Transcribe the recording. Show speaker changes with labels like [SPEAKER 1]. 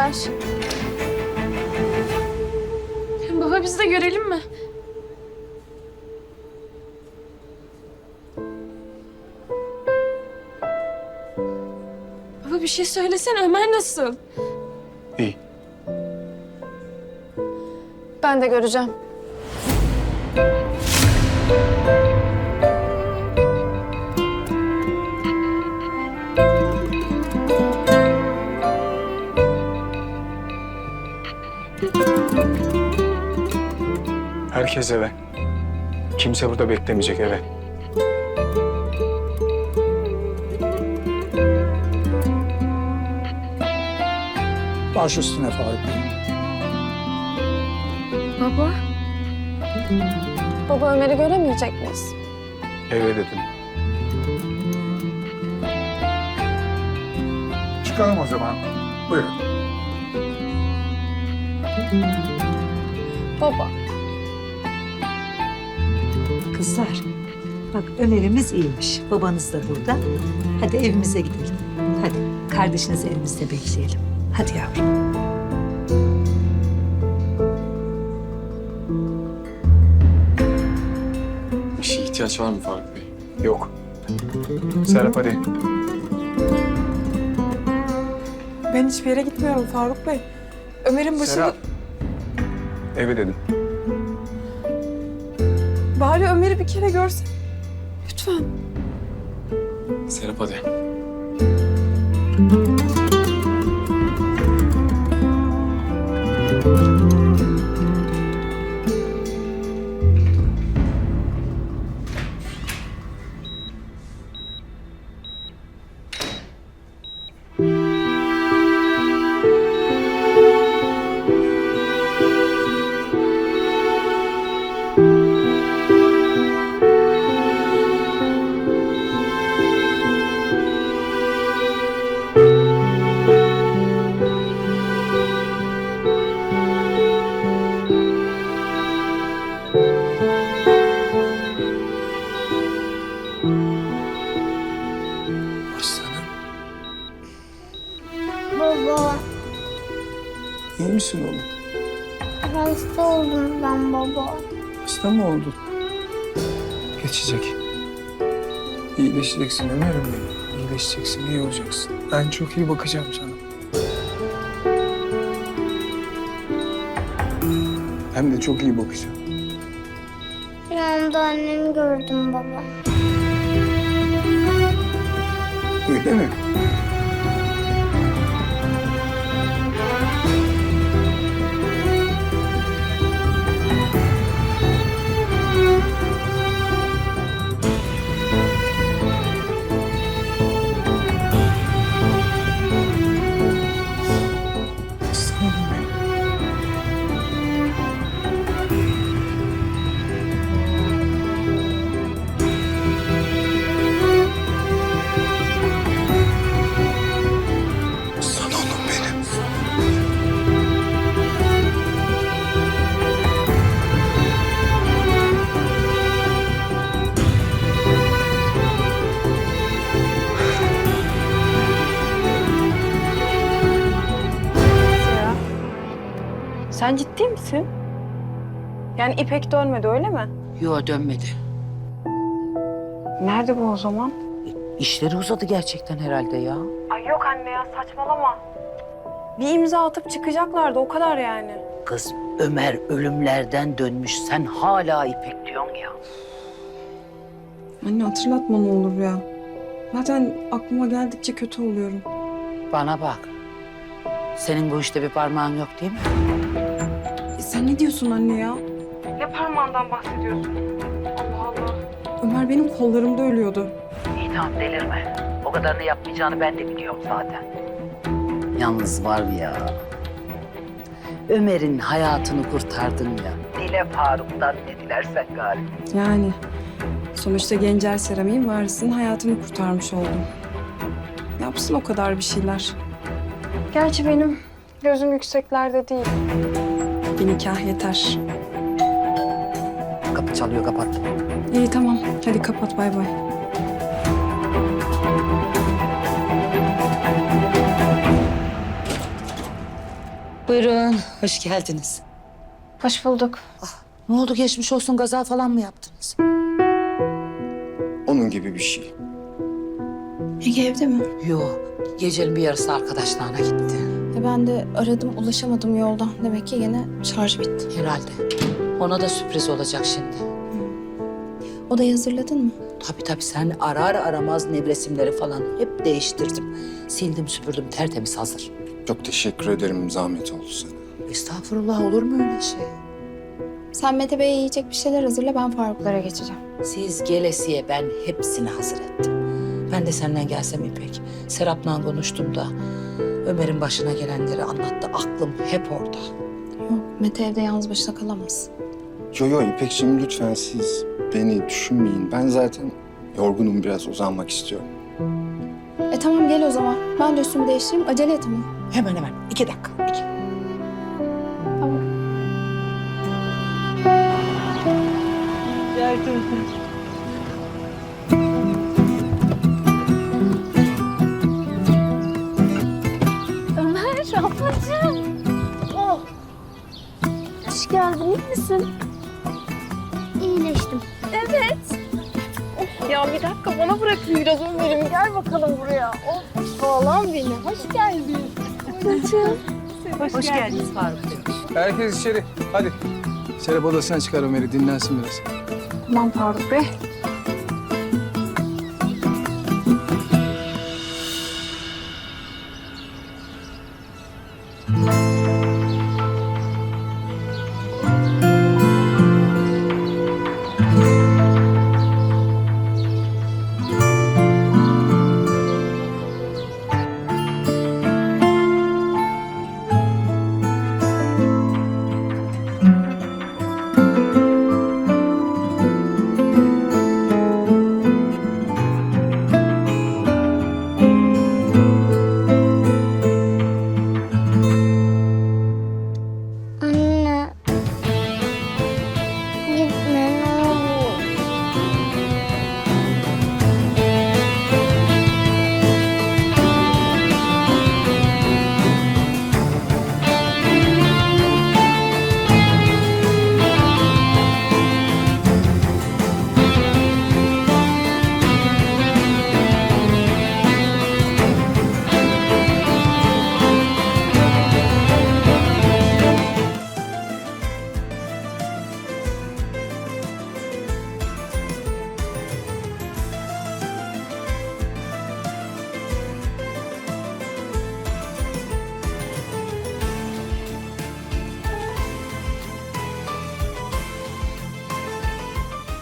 [SPEAKER 1] geldiler. Baba biz de görelim mi? Baba bir şey söylesene, Ömer nasıl?
[SPEAKER 2] İyi.
[SPEAKER 1] Ben de göreceğim.
[SPEAKER 2] Herkes eve. Kimse burada beklemeyecek, eve.
[SPEAKER 3] Baş üstüne Faruk Bey.
[SPEAKER 1] Baba. Baba Ömer'i göremeyecek miyiz?
[SPEAKER 2] Eve dedim.
[SPEAKER 3] Çıkalım o zaman. Buyurun.
[SPEAKER 1] Baba.
[SPEAKER 4] Kızlar, bak Ömer'imiz iyiymiş. Babanız da burada. Hadi evimize gidelim. Hadi kardeşinizi evimizde bekleyelim. Hadi yavrum.
[SPEAKER 5] Bir şeye ihtiyaç var mı Faruk Bey?
[SPEAKER 2] Yok. Serap hadi.
[SPEAKER 6] Ben hiçbir yere gitmiyorum Faruk Bey. Ömer'in başında...
[SPEAKER 2] Serap. Eve dedim.
[SPEAKER 6] Bari Ömer'i bir kere görsen. Lütfen.
[SPEAKER 5] Serap hadi.
[SPEAKER 2] Aslanım.
[SPEAKER 7] Baba,
[SPEAKER 3] İyi misin oğlum?
[SPEAKER 7] hasta oldum ben baba.
[SPEAKER 3] Hasta mı oldun? Geçecek. İyileşeceksin Ömer'im benim. İyileşeceksin, iyi olacaksın. Ben çok iyi bakacağım sana. Hem de çok iyi bakacağım.
[SPEAKER 7] Rüyamda annemi gördüm baba.
[SPEAKER 3] Öyle mi? Aslanım benim. Aslan oğlum benim.
[SPEAKER 6] Sen ciddi misin? Yani İpek dönmedi öyle mi?
[SPEAKER 8] Yo dönmedi.
[SPEAKER 6] Nerede bu o zaman?
[SPEAKER 8] İşleri uzadı gerçekten herhalde ya.
[SPEAKER 6] Ay yok anne ya saçmalama. Bir imza atıp çıkacaklardı o kadar yani.
[SPEAKER 8] Kız Ömer ölümlerden dönmüş. Sen hala İpek diyorsun ya.
[SPEAKER 6] Anne hatırlatma ne olur ya. Zaten aklıma geldikçe kötü oluyorum.
[SPEAKER 8] Bana bak. Senin bu işte bir parmağın yok değil mi?
[SPEAKER 6] Sen ne diyorsun anne ya? Ne parmağından bahsediyorsun? Allah Allah. Ömer benim kollarımda ölüyordu.
[SPEAKER 8] İyi tamam delirme. O kadarını yapmayacağını ben de biliyorum zaten. Yalnız var ya. Ömer'in hayatını kurtardın ya. Dile Faruk'tan ne dilersen galiba.
[SPEAKER 6] Yani sonuçta Gencer Seramik'in varisinin hayatını kurtarmış oldum. Yapsın o kadar bir şeyler. Gerçi benim gözüm yükseklerde değil. Bir nikah yeter.
[SPEAKER 8] Kapı çalıyor kapat.
[SPEAKER 6] İyi tamam. Hadi kapat bay bay.
[SPEAKER 9] Buyurun, hoş geldiniz.
[SPEAKER 1] Hoş bulduk.
[SPEAKER 9] Ne oldu, geçmiş olsun, gaza falan mı yaptınız?
[SPEAKER 2] Onun gibi bir şey.
[SPEAKER 6] Ege evde mi?
[SPEAKER 9] Yok, gecenin bir yarısı arkadaşlarına gitti.
[SPEAKER 6] Ben de aradım, ulaşamadım yoldan. Demek ki yine şarj bitti.
[SPEAKER 9] Herhalde. Ona da sürpriz olacak şimdi.
[SPEAKER 6] Odayı hazırladın mı?
[SPEAKER 9] Tabii sen arar aramaz nevresimleri falan hep değiştirdim. Sildim süpürdüm, tertemiz hazır.
[SPEAKER 2] Çok teşekkür ederim, zahmet oldu sana.
[SPEAKER 9] Estağfurullah, olur mu öyle şey?
[SPEAKER 6] Sen Mete Bey'e yiyecek bir şeyler hazırla, ben Faruklara geçeceğim.
[SPEAKER 9] Siz gelesiye ben hepsini hazır ettim. Ben de senden gelsem İpek. Serap'la konuştum da Ömer'in başına gelenleri anlattı. Aklım hep orada.
[SPEAKER 6] Yok, Mete evde yalnız başına kalamaz.
[SPEAKER 2] Yo İpekciğim, lütfen siz beni düşünmeyin. Ben zaten yorgunum, biraz uzanmak istiyorum.
[SPEAKER 6] Tamam gel o zaman. Ben de üstümü değiştireyim, acele et ama.
[SPEAKER 9] Hemen 2 dakika. 2.
[SPEAKER 6] Tamam.
[SPEAKER 1] Ömer, ablacığım. Oh. Hoş geldin, iyi misin?
[SPEAKER 7] İyileştim.
[SPEAKER 1] Ya bir dakika, bana bırakın biraz Ömer'im. Gel bakalım buraya. Oh, oğlan beni. Hoş geldin.
[SPEAKER 4] Hoş geldiniz Faruk Bey.
[SPEAKER 3] Herkes içeri. Hadi.
[SPEAKER 2] Serap odasına çıkar Ömer'i, dinlensin biraz.
[SPEAKER 6] Tamam Faruk Bey.